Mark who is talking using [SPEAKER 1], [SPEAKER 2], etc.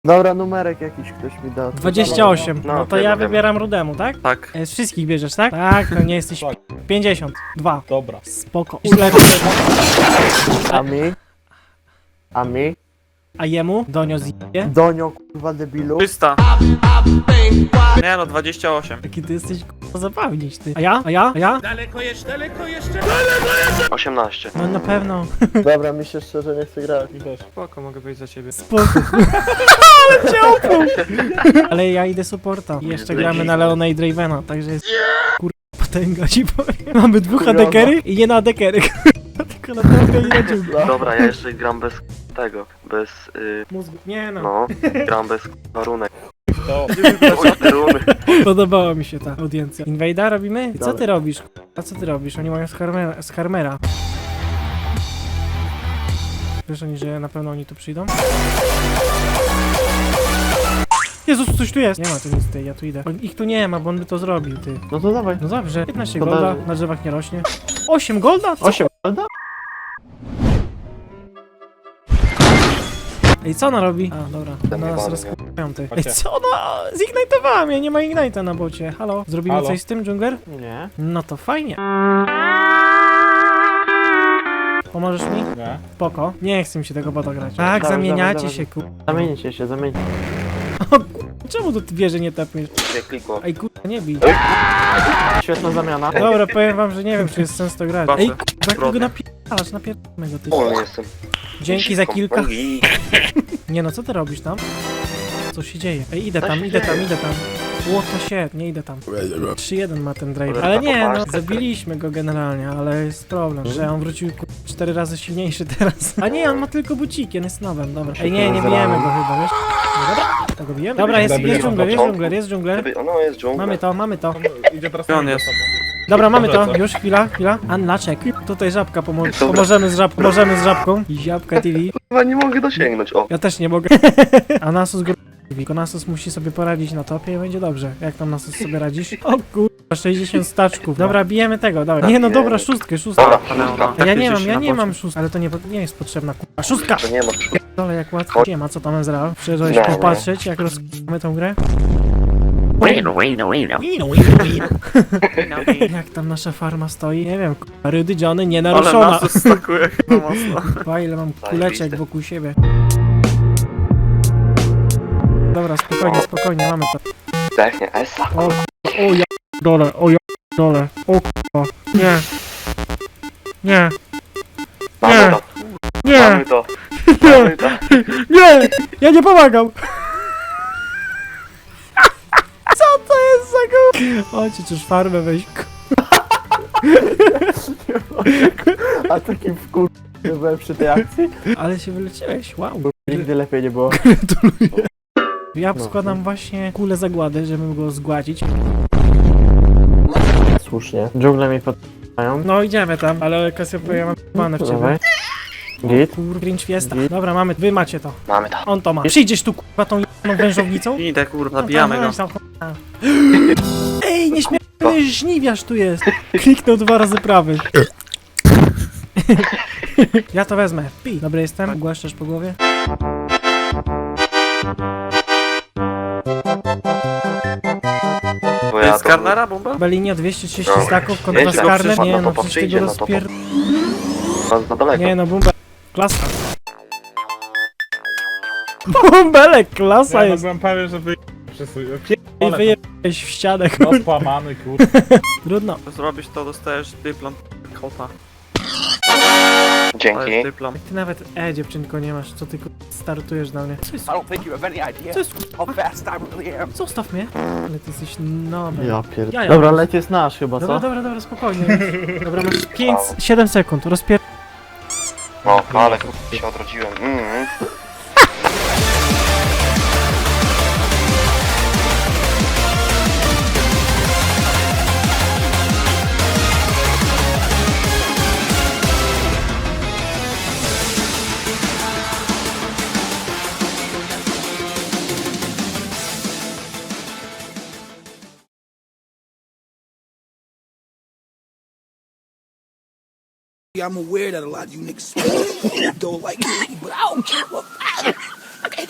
[SPEAKER 1] Dobra, numerek jakiś ktoś mi da.
[SPEAKER 2] 28.
[SPEAKER 3] No,
[SPEAKER 2] No to
[SPEAKER 3] wiemy,
[SPEAKER 2] ja
[SPEAKER 3] wiemy.
[SPEAKER 2] wybieram rudemu, tak?
[SPEAKER 3] Tak.
[SPEAKER 2] Z wszystkich bierzesz, tak? Tak, to nie jesteś 52.
[SPEAKER 4] Dobra.
[SPEAKER 2] Spoko. Źle.
[SPEAKER 1] A mi? A mi?
[SPEAKER 2] A jemu? Donio zje?
[SPEAKER 1] Donio, kurwa debilu.
[SPEAKER 3] 300. Nie no, 28.
[SPEAKER 2] Jaki ty jesteś k***a zabawnić, ty. A ja? A ja? A ja?
[SPEAKER 3] 18.
[SPEAKER 2] No na pewno.
[SPEAKER 1] Dobra, mi się szczerze nie chce grać.
[SPEAKER 3] Spoko, mogę wyjść za ciebie.
[SPEAKER 2] Spoko. Ale cię opluł. Ale ja idę supporta. I jeszcze gramy na Leona i Dravena, także jest kur... potęga ci powiem. Mamy dwóch
[SPEAKER 1] Kurwa.
[SPEAKER 2] adekery i nie na adekery. Tylko na trawkę i na dżunglę.
[SPEAKER 3] Dobra, ja jeszcze gram bez tego. Bez...
[SPEAKER 2] Mózgu. Nie no.
[SPEAKER 3] no, gram bez warunek.
[SPEAKER 4] To.
[SPEAKER 3] Runy.
[SPEAKER 2] Podobała mi się ta audiencja. Invade'a robimy? I co
[SPEAKER 1] Dobra.
[SPEAKER 2] ty robisz? A co ty robisz? Oni mają z Harmera. Wiesz oni, że na pewno oni tu przyjdą? Jezus, coś tu jest! Nie ma tu nic tej, ja tu idę. Ich tu nie ma, bo on by to zrobił, ty.
[SPEAKER 1] No to dawaj.
[SPEAKER 2] No dobrze, 15
[SPEAKER 1] To
[SPEAKER 2] golda,
[SPEAKER 1] da-
[SPEAKER 2] na drzewach nie rośnie. 8 golda? Co?
[SPEAKER 1] 8 golda?
[SPEAKER 2] Ej, co ona robi? A, dobra,
[SPEAKER 3] Ten
[SPEAKER 2] na nas
[SPEAKER 3] jebany,
[SPEAKER 2] rozkupiają, ty. Ej,
[SPEAKER 4] Chodźcie.
[SPEAKER 2] co ona? Zignitowała mnie, nie ma ignite'a na bocie. Halo? Zrobimy
[SPEAKER 4] Halo?
[SPEAKER 2] coś z tym, dżungler?
[SPEAKER 1] Nie.
[SPEAKER 2] No to fajnie. Pomożesz mi?
[SPEAKER 4] Nie.
[SPEAKER 2] Spoko. Nie chcę mi się tego bota grać. Tak,
[SPEAKER 1] Dawaj,
[SPEAKER 2] zamieniacie
[SPEAKER 1] dawaj,
[SPEAKER 2] się, ku...
[SPEAKER 1] Zamienicie się, zamienicie.
[SPEAKER 2] Czemu tu wieży nie tepniesz?
[SPEAKER 3] Nie klikło.
[SPEAKER 2] Ej, kurwa, nie bij.
[SPEAKER 1] Świetna zamiana.
[SPEAKER 2] Dobra, powiem wam, że nie wiem, czy jest sens to grać.
[SPEAKER 3] Proszę.
[SPEAKER 2] Ej, kurwa, go napierdalamy go, ty.
[SPEAKER 3] O, jestem.
[SPEAKER 2] Dzięki za kilka.
[SPEAKER 3] I-
[SPEAKER 2] Nie no, co ty robisz tam? Co się dzieje? Ej, idę tam, idę tam, idę tam. What the shit, nie idę tam. 3-1 ma ten drive. Ale nie, no, zabiliśmy go generalnie, ale jest problem, że on wrócił 4 razy silniejszy teraz. A nie, on ma tylko buciki, on jest nowym, dobra. Ej, nie bijemy go chyba, wiesz? No, dobra, to go bijemy. Dobra, jest dżungler, jest dżungler, jest dżungler.
[SPEAKER 3] No, jest dżungla.
[SPEAKER 2] Mamy to.
[SPEAKER 4] Idzie teraz
[SPEAKER 3] On
[SPEAKER 4] na
[SPEAKER 3] jest.
[SPEAKER 4] mnie.
[SPEAKER 2] Dobra, mamy to,
[SPEAKER 4] Dobra, co?
[SPEAKER 2] już chwila. Unlaczek. Tutaj żabka pomożemy z żabką. Możemy z żabką. Żabka TV.
[SPEAKER 3] Chyba nie mogę dosięgnąć, o.
[SPEAKER 2] Ja też nie mogę. A Nasus tylko Nasus musi sobie poradzić na topie i będzie dobrze. Jak tam Nasus sobie radzisz? O kurwa, 60 staczków. Dobra, bijemy tego, dobra. Nie no dobra, szóstkę.
[SPEAKER 3] Dobra, szóstka.
[SPEAKER 2] A ja nie mam szóstki, ale to nie jest potrzebna kurwa. Szóstka!
[SPEAKER 3] To nie ma.
[SPEAKER 2] Dole jak łatwo. Nie ma co tam Ezra. Przyjeżdżałeś
[SPEAKER 3] Nie,
[SPEAKER 2] popatrzeć jak rozkujemy tą grę? Jak tam nasza farma stoi? Nie wiem, kurwa, Rydy Johnny nie
[SPEAKER 3] Ale
[SPEAKER 2] naruszona.
[SPEAKER 3] nas stakuje chyba mocno.
[SPEAKER 2] Kurwa, ile mam kuleczek wokół siebie. Dobra, spokojnie, mamy to.
[SPEAKER 3] Technie, Esa.
[SPEAKER 2] O ja dole, o kurwa. Nie. Nie,
[SPEAKER 3] Mamy to.
[SPEAKER 2] nie,
[SPEAKER 3] Mamy to.
[SPEAKER 2] nie,
[SPEAKER 3] Mamy to.
[SPEAKER 2] nie, ja nie pomagam. Co to jest za go? Chodźcie, czyż farmę weź.
[SPEAKER 1] A takim wkur... nie byłem przy tej akcji?
[SPEAKER 2] Ale się wyleciałeś, wow.
[SPEAKER 1] Nigdy lepiej nie było.
[SPEAKER 2] Gratuluję. Ja
[SPEAKER 1] No.
[SPEAKER 2] składam właśnie kulę zagłady, żeby go zgładzić.
[SPEAKER 1] Słusznie. Dżungle mi podpają.
[SPEAKER 2] No idziemy tam, ale Cassiopeia ja mam p***ane w ciebie.
[SPEAKER 1] Dawaj. Git.
[SPEAKER 2] Kur... Grinch Fiesta. Dobra, mamy, wy macie to.
[SPEAKER 3] Mamy to.
[SPEAKER 2] On to ma. Przyjdziesz tu kurwa tą jedną wężownicą?
[SPEAKER 3] Idę, kurwa, zabijamy go.
[SPEAKER 2] Ej, nieśmiertelny żniwiarz tu jest. Kliknął 2 razy prawy. Ja to wezmę. Pi. Dobry jestem. Głaszczasz po głowie.
[SPEAKER 3] Bo ja z Karnera, bomba?
[SPEAKER 2] Belinia 230
[SPEAKER 3] Dobra.
[SPEAKER 2] staków kontra
[SPEAKER 3] Nieźle,
[SPEAKER 2] Skarner.
[SPEAKER 3] przyszła,
[SPEAKER 2] Nie
[SPEAKER 3] no
[SPEAKER 2] no,
[SPEAKER 3] to
[SPEAKER 2] przecież ty
[SPEAKER 3] przyjdzie,
[SPEAKER 2] go
[SPEAKER 3] no to
[SPEAKER 2] rozpier...
[SPEAKER 3] Na daleko.
[SPEAKER 2] Nie no, Bumbe. Klasa. Bumbelek, klasa
[SPEAKER 4] Ja
[SPEAKER 2] jest.
[SPEAKER 4] byłem pewien, że wy...
[SPEAKER 2] I wyjebałeś w ścianę,
[SPEAKER 4] No
[SPEAKER 2] kurde.
[SPEAKER 4] spłamany, kurde.
[SPEAKER 2] Trudno.
[SPEAKER 3] Zrobisz to, dostajesz dyplom kota. To Dzięki. jest dyplom.
[SPEAKER 2] Ty nawet dziewczynko nie masz, co ty startujesz na mnie. Co jest?
[SPEAKER 5] I don't think you have any idea
[SPEAKER 2] Co jest?
[SPEAKER 5] how fast I really am.
[SPEAKER 2] Zostaw mnie. Ale ty jesteś nowy.
[SPEAKER 1] Ja pierd...
[SPEAKER 2] Jaja.
[SPEAKER 1] Dobra, leć jest nasz chyba, co?
[SPEAKER 2] Dobra, spokojnie. Dobra, masz 7 sekund, rozpier...
[SPEAKER 3] No, ale się odrodziłem.
[SPEAKER 6] I'm aware that a lot of you niggas don't like me, but I don't give a fuck.